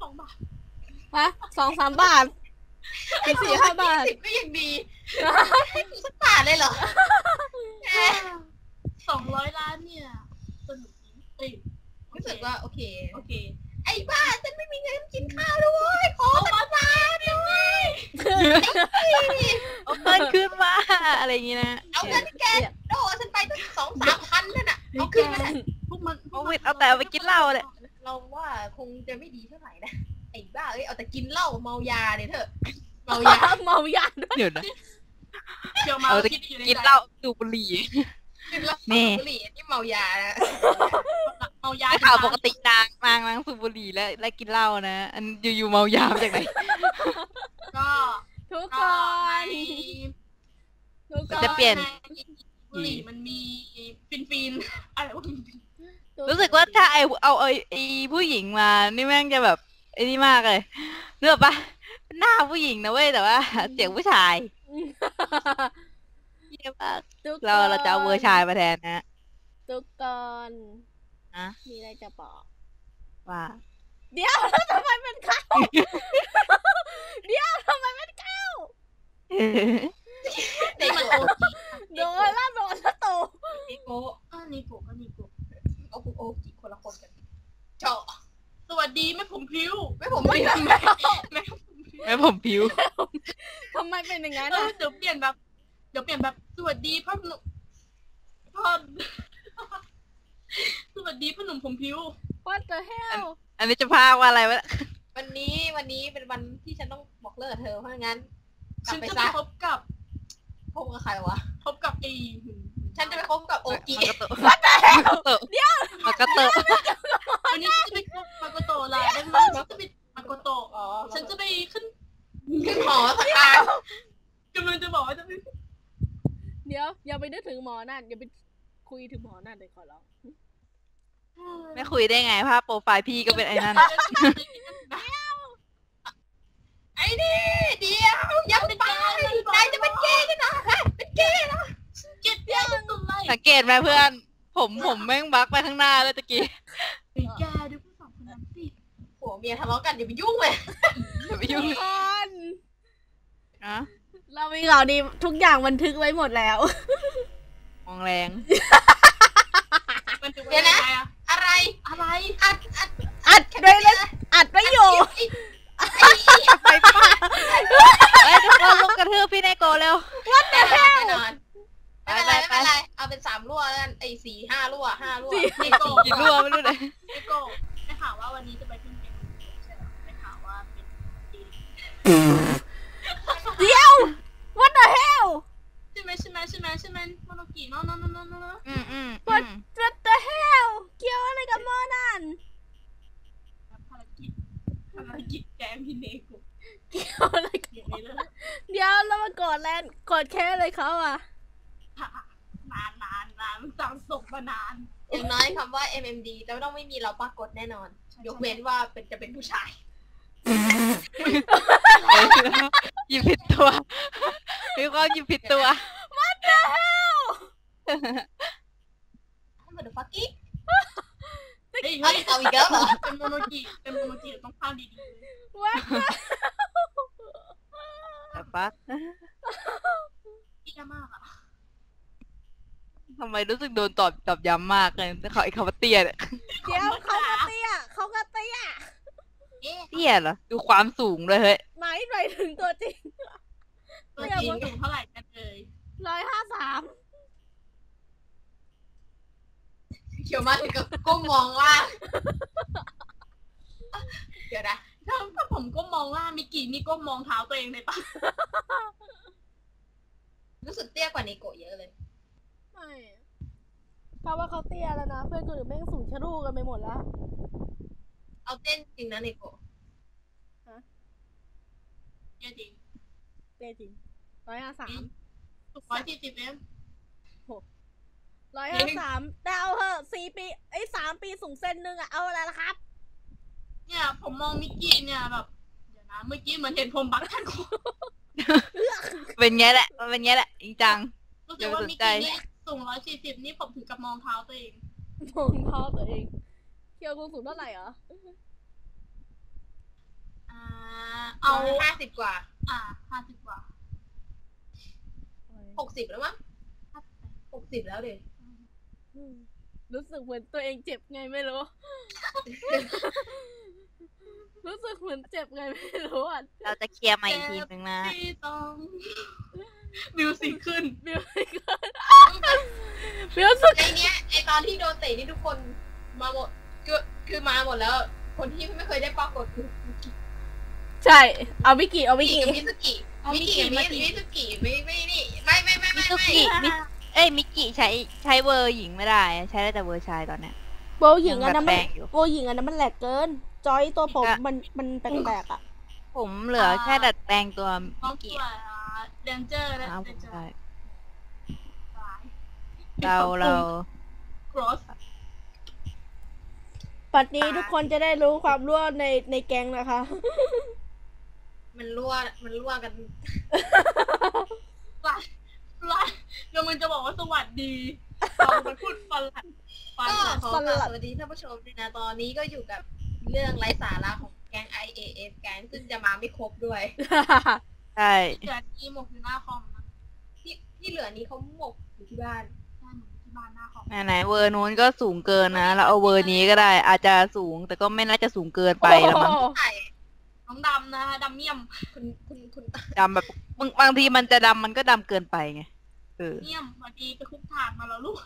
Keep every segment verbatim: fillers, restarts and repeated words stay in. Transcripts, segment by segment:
องบาทฮะสองสามบาทเป็นสี่ห้าบาทสิบก็ยังดีสักบาทเลยเหรอสองร้อยล้านเนี่ยสนุกจริงเอ้ยรู้สึกว่าโอเคโอเคไอ้บ้าฉันไม่มีเงินกินข้าวด้วยขอสักบาทด้วยเอาเงินขึ้นมาอะไรอย่างงี้นะเอาเงินแกโดฉันไปตั้งสองสามพันนั่นน่ะเอาขึ้นมาพวกมันเอาวิทเอาแต่เอาไปกินเหล้าเลยเราว่าคงจะไม่ดีเท่าไหร่นะไอ้บ้าเอ้ยเอาแต่กินเหล้าเมายาเนี่ยเถอะเมายาเมายาด้วยเดี๋ยวนะเกี่ยวมาที่อยู่ในกินเหล้าสูบบุหรี่กินเหล้าสูบบุหรี่นี่เมายานะเมายาข่าวปกตินางนางนางสูบบุหรี่แล้วและกินเหล้านะอันอยู่ๆเมายาจากไหนก็ทุกคนทุกคนจะเปลี่ยนบุหรี่มันมีฟินฟินอะไรวะรู้สึกว่าถ้าไอเอาไอไอผู้หญิงมานี่แม่งจะแบบไอ้นี่มากเลยเนื้อปะหน้าผู้หญิงนะเว้ยแต่ว่าเสียงผู้ชายเยี่ยมมากเราเราจะเอาเวอร์ชายมาแทนนะทุกคนนะมีอะไรจะบอกว่าเดี๋ยวแล้วทำไมเป็นข้าวเดี๋ยวทำไมเป็นข้าวเด็กโดนละโดนละโตนิโกะอ่านิโกะก็นิโกะโอ้โหโอ้กี่คนละคนกันเจาะสวัสดีแม่ผมพิ้วแม่ผมพิ้วแม่แม่ผมพิ้วทำไมเป็นอย่างนั้นเดี๋ยวเปลี่ยนแบบเดี๋ยวเปลี่ยนแบบสวัสดีพ่อหนุ่มพ่อสวัสดีพ่อหนุ่มผมพิ้ว What the hell อันนี้จะพากว่าอะไรวะวันนี้วันนี้เป็นวันที่ฉันต้องบอกเลิกเธอเพราะงั้นฉันจะไปพบกับพบกับใครวะพบกับไอ้ฉันจะไปพบกับโอกิมาโตเดี๋ยวมาโตวันนี้จะไปพบมาโกโตะล่ะได้ไหมฉันจะไปมาโกโตะอ๋อฉันจะไปขึ้นขึ้นหอสักการกำลังจะบอกว่าจะไปเดี๋ยวอย่าไปนึกถึงหมอนั่นอย่าไปคุยถึงหมอนั่นเลยขอร้องไม่คุยได้ไงภาพโปรไฟล์พี่ก็เป็นไอ้นั่นไอ้นี่เดี๋ยวยังไปนายจะเป็นเกย์กันนะเป็นเกย์นะเกย์เดียวสังเกตไหมเพื่อนผมผมแม่งบักไปข้างหน้าแล้วตะกี้ไอ้แกดูผู้สองคนนั้นสิผัวเมียทะเลาะกันอย่าไปยุ่งเลยอย่าไปยุ่งกันนะเรามีข่าวดีทุกอย่างบันทึกไว้หมดแล้วมองแรงเดี๋ยวนะอะไรอะไรอัดอัดอัดด้วยเลยอัดไว้อยู่ไปป้าไอ้ทุกคนลงกระทืบพี่เนโกเร็ววัดแต่แน่นอนไม่เป็นไรไม่เป็นไรเอาเป็นสามรั่วกันไอ้สี่ห้ารั่วห้ารั่วสี่กี่รั่วไม่รู้เลยนิโกได้ข่าวว่าวันนี้จะไปขึ้นเป็นใช่ไหมได้ข่าวว่าเป็นเดี๋ยว What the hell ใช่ไหมใช่ไหมใช่ไหมใช่ไหมโมโนกิเนาะเนาะเนาะเนาะเนาะอืมอืม What the hell เกี่ยวอะไรกับโมนั่นภารกิจภารกิจแกมพี่เนโกเกี่ยวอะไรกันเดี๋ยวแล้วมาโกรธแลนโกรธแค่อะไรเขาอ่ะนานนานนานมันสั่งส่งมานานอย่างน้อยคำว่า เอ็ม เอ็ม ดี จะต้องไม่มีเราปรากฏแน่นอนยกเว้นว่าเป็นจะเป็นผู้ชายหยิบผิดตัวมีความหยิบผิดตัว What the hell เหมือนฟักกี้เฮ้ยเอาอีกแล้วเหรอเป็นโมโนกิเป็นโมโนกิต้องพาดีๆเลย What แต่ปั๊กพี่ยามากอ่ะทำไมรู้สึกโดนตอบตอบย้ำมากเลยแต่เขาไอ้คำว่าเตี้ยเนี่ยเดี๋ยวเขาก็เตี้ยเขาก็เตี้ยเตี้ยเหรอดูความสูงเลยเฮ้ยหมายไปถึงตัวจริงตัวจริงสูงเท่าไหร่กันเลยร้อยห้าสามเขียวมาถึงกับก้มมองล่างเดี๋ยวนะถ้าถ้าผมก้มมองล่างมิกินี่ก้มมองเท้าตัวเองเลยปะรู้สึกเตี้ยกว่านิโกะเยอะเลยไม่เพราะว่าเขาเตี้ยแล้วนะเพื่อนคนอื่นแม่งสูงชะลูกันไปหมดแล้วเอาเต้นจริงนะนิโกะฮะเตี้ยจริงเตี้ยจริงร้อยห้าสามร้อยสี่สิบเองร้อยห้าสามแต่เอาเหอะสี่ปีไอ้สามปีสูงเส้นนึงอะเอาอะไรล่ะครับเนี่ยผมมองมิกกี้เนี่ยแบบเดี๋ยวนะเมื่อกี้เหมือนเห็นผมบักทันคนเป็นไงแหละเป็นไงแหละจริงจังรู้สึกว่ามิกกี้นี่สูงร้อยสี่สิบนี่ผมถึงกับมองเท้าตัวเองมองเท้าตัวเองเคียวกูสูงเท่าไหร่เหรอเอาห้าสิบกว่าอ่าห้าสิบกว่าหกสิบแล้วมั้งหกสิบแล้วเด็กอืมรู้สึกเหมือนตัวเองเจ็บไงไม่รู้ รู้สึกเหมือนเจ็บไงไม่รู้อ่ะเราจะเคลียร์ใหม่อีกทีนึงนะที่ต้องมิวสิกขึ้นบิวสิกบิวสิกในเนี้ยไอตอนที่โดนเตะนี่ทุกคนมาหมดคือคือมาหมดแล้ว คนที่ไม่เคยได้ปรากฏคือใช่ เอาวิกิเอาวิมิกิกิกับมิสกิมิกิกับมิสมิสกิไม่ไม่นี่ไม่ไม่ไม่มิไม่ซุไม่กิมิเอ้ยมิกิใช้ใช้เวอร์หญิงไม่ได้ ใช้ได้แต่เวอร์ชายตอนเนี้ยโบหญิงอันนั้นยังแบบแปลมันงอยู่โบหญิงอันนั้นมันแหลกเกิน จอยตัวผมอ่ะมันมันแปลกๆอ่ะผมเหลือแค่ดัดแปลงตัวน้อมิงกิตัวเดนเจอร์และอ้าวเดผมนเจอได้ร์เราเราครอสปัดนี้ทุกคนจะได้รู้ความรั่วในในแก๊งนะคะมันรั่วมันรั่วกันไล่ไล่เดี๋ยวมึงจะบอกว่าสวัสดีเราไปพูดฟันหลัดฟันก็หลัดขอกราบสวัสดีท่านผู้ชมด้วยนะตอนนี้ก็อยู่กับเรื่องไร้สาระของแก๊ง ไอ เอ เอฟ แก๊งซึ่งจะมาไม่ครบด้วยใช่เดี๋ยวทีหมกอยู่หน้าคอมนะที่ที่เหลือนี้เขาหมกอยู่ที่บ้านใช่หมกอยู่ที่บ้านหน้าคอมไหนไหนเวอร์นู้นก็สูงเกินนะเราเอาเวอร์นี้ก็ได้ อาจจะสูงแต่ก็ไม่น่าจะสูงเกินไปแล้วมั้งใช่น้องดำนะดำเมี่ยมคุณคุณคุณดำแบบบางบางทีมันจะดำมันก็ดำเกินไปไงเออเมี่ยมสวัสดีไปคุกถาดมาแล้วลูก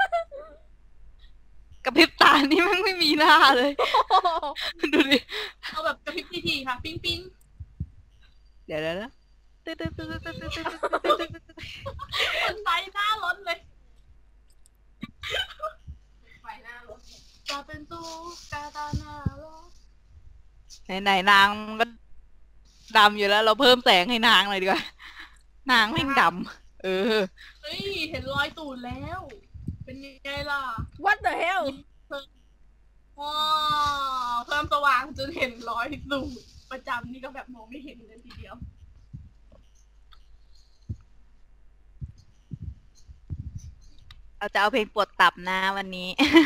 กระพริบตานี่มันไม่มีหน้าเลย ดูดิเอาแบบกระพริบทีๆค่ะ ปิ้งปิ้งเดี๋ยวเดี๋ยวนะตึ๊ดตึ๊ดตึ๊ดตึ๊ดตึ๊ดตึ๊ดตึ๊ดตึ๊ดคนไฟหน้ารถเลยไฟหน้ารถจะเป็นตู้กาตาหน้ารถไหนไหนนางมันก็ดำอยู่แล้ว เราเพิ่มแสงให้นางเลยดีกว่า นางแม่งดำเออเฮ้ยเห็นรอยตูดแล้ว เป็นยังไงล่ะ What the hell ว้าวเพิ่มสว่างจนเห็นรอยตูดประจำนี่ก็แบบมองไม่เห็นเลยทีเดียวเราจะเอาเพลงปวดตับนะวันนี้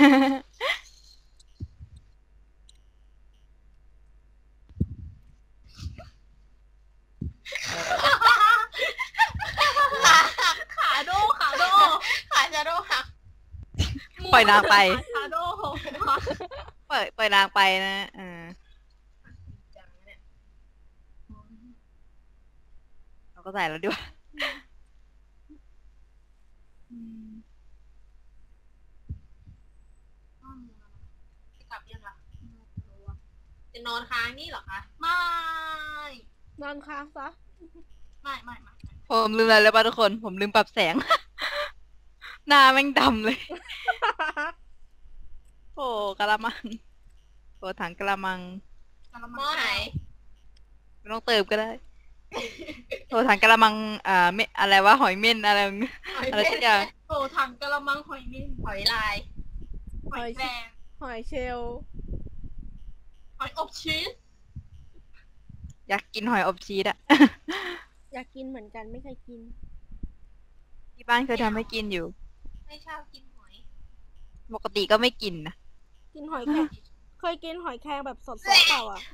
ขาโดขาโดขาจะโดหักปล่อยนางไปขาโดปล่อยปล่อยนางไปนะเออจังเนี่ยเราก็ใส่แล้วด้วยจะกลับยังล่ะจะนอนค้างนี่เหรอคะไม่นอนค้างซะไม่ไม่ไม่ผมลืมอะไรแล้วป่ะทุกคน ผมลืมปรับแสง หน้าแม่งดำเลย โอ้กะละมังโอ้ถังกะละมังหม้อไหนไม่ต้องเติมก็ได้ โอ้ถังกะละมัง อ่าไม่อะไรวะหอยเม่นอะไรหอยอะไรเม่สันกอย่างโอ้ถังกะละมังหอยเม่นหอยลายหอยแครงหอยเชลล์หอยอบชีสอยากกินหอยอบชีสอะอยากกินเหมือนกันไม่เคยกินที่บ้านเคยทำให้กินอยู่ไม่ชอบกินหอยปกติก็ไม่กินนะกินหอยแครงเคยกินหอยแครงแบบสดๆเปล่าอ่ะ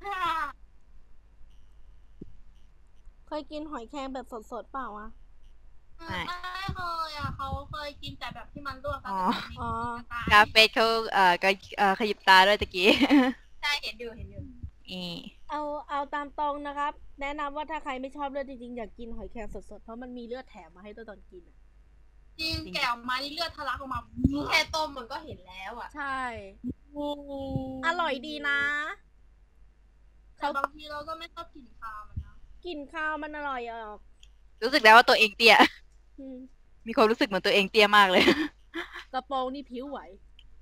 เคยกินหอยแครงแบบสดๆเปล่าอ่ะไม่เคยอ่ะเขาเคยกินแต่แบบที่มันลวกกันอ๋อกาเฟสเขาเอ่อก็เอ่อขยิบตาด้วยตะกี้ใช่เห็นอยู่เห็นอยู่นี่เอาเอาตามตรงนะครับ แนะนำว่าถ้าใครไม่ชอบเลือดจริงๆอยากกินหอยแครงสดๆเพราะมันมีเลือดแถมมาให้ตัวตอนกินอะจริงแกะออกมานี่เลือดทะลักออกมาแค่ต้มมันก็เห็นแล้วอ่ะใช่โอ้อร่อยดีนะแต่บางทีเราก็ไม่ชอบกลิ่นคาวมันนะกลิ่นข้าวมันอร่อยออกรู้สึกแล้วว่าตัวเองเตี้ยอืมมีความรู้สึกเหมือนตัวเองเตี้ยมากเลยกระโปรงนี่ผิวไหว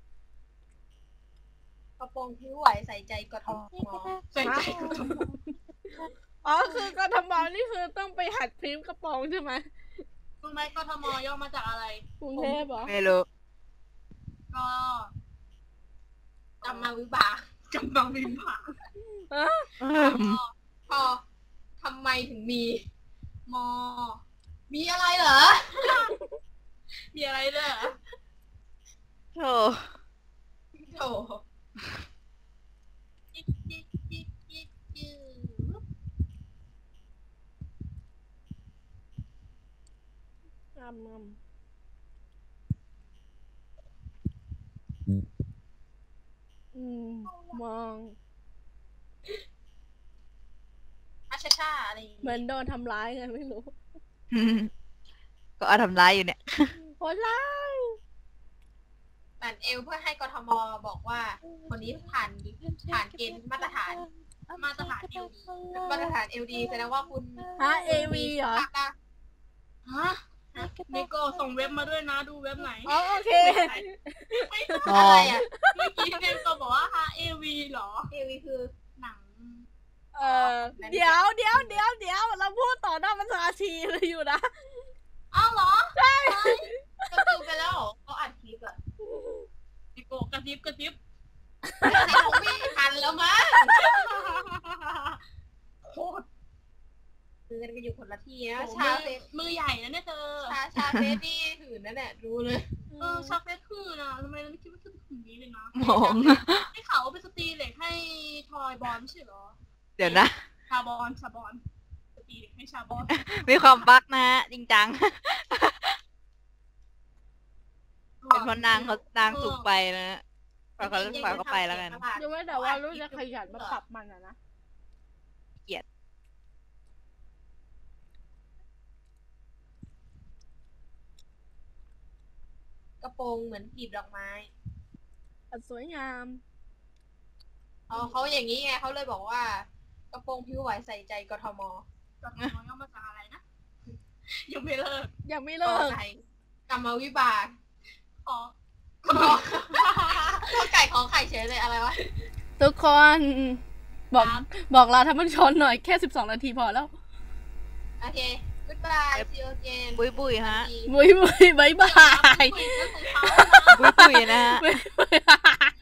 กระโปรงผิวไหวใส่ใจกทมใส่ใจกูอ๋อคือกทมนี่คือต้องไปหัดพริมพ์กระโปรงใช่ไหมรู้ไหมกทมย่อมาจากอะไรกรุงเทพเหรอไม่รู้ก็กำมังวิบากกำลังบินผ่านเอ้อเออพอทำไมถึงมีมอมีอะไรเหรอมีอะไรด้วยเหรอโธ่โถจิ๊กจิ๊กจิ๊กจิ๊กจิ๊กงามงามอืมมองอาชาชาอะไรอย่างเหมืงี้อนโดนทำร้ายไงไม่รู้ก็เอาทำร้ายอยู่เนี่ยโหดร้ายปั่นเอวเพื่อให้กทมบอกว่า คนนี้ผ่านผ่านเกณฑ์มาตรฐานมาตรฐานเอลดีมาตรฐานเอลดีแสดงว่าคุณฮะเอวีเหรอฮะนิโก้ส่งเว็บมาด้วยนะดูเว็บไหนอ๋อโอเคไม่ใช่อ๋ออะไรอ่ะเมื่อกี้เนมก็บอกว่าฮะเอวีเหรอเอวีคือหนังเออเดี๋ยวเดี๋ยวเดี๋ยวเดี๋ยวเราพูดต่อหน้าประชาชีเลยอยู่นะอ้าวเหรอ ใช่ก็ดูไปแล้วเหรอเขาอัดคลิปอ่ะนิโก้กระซิบกระซิบในคงไม่ทันแล้วมั้งโคตรมือกันก็อยู่คนละที่นะมืชาอเฟสมือใหญ่นะเนี่ยเธอชาชาเฟสนี่หื่นนั่นแหละรู้เลยเออชาเฟสคือนะทำไมเราไม่คิดว่าจะถึงนี้เลยนะมองให้เขาเอาไปสตรีเหล็กให้ทอยบอลใช่เหรอเดี๋ยวนะชาบอลชาบอลสตรีเหล็กให้ชาบอลมีความบั๊กนะฮะจริงจัง เป็นเพราะนางเขานางสูงไปนะฮะปล่อยเขาปล่อยเขาไปแล้วกันยังไม่แต่ว่ารู้จะขยันมาปรับมันอะนะเกลียดกระโปรงเหมือนกลีบดอกไม้อันสวยงามอ๋อเขาอย่างนี้ไงเขาเลยบอกว่า กระโปรงผิวไหวใส่ใจกทมจดหมายย่อมาจากอะไรนะ ยังไม่เลิกยังไม่กเลิกไก่กรรมวิบากขอข้อไก่ของไข่เฉยเลยอะไรวะทุกคนบอกบอกลาท่านผู้ชมหน่อยแค่สิบสองนาทีพอแล้วโอเค goodbye see you again บุยบุยฮะบุยบุยบายบายคุยเรื่องของเขาบุยบุยนะฮะบ๊ายบาย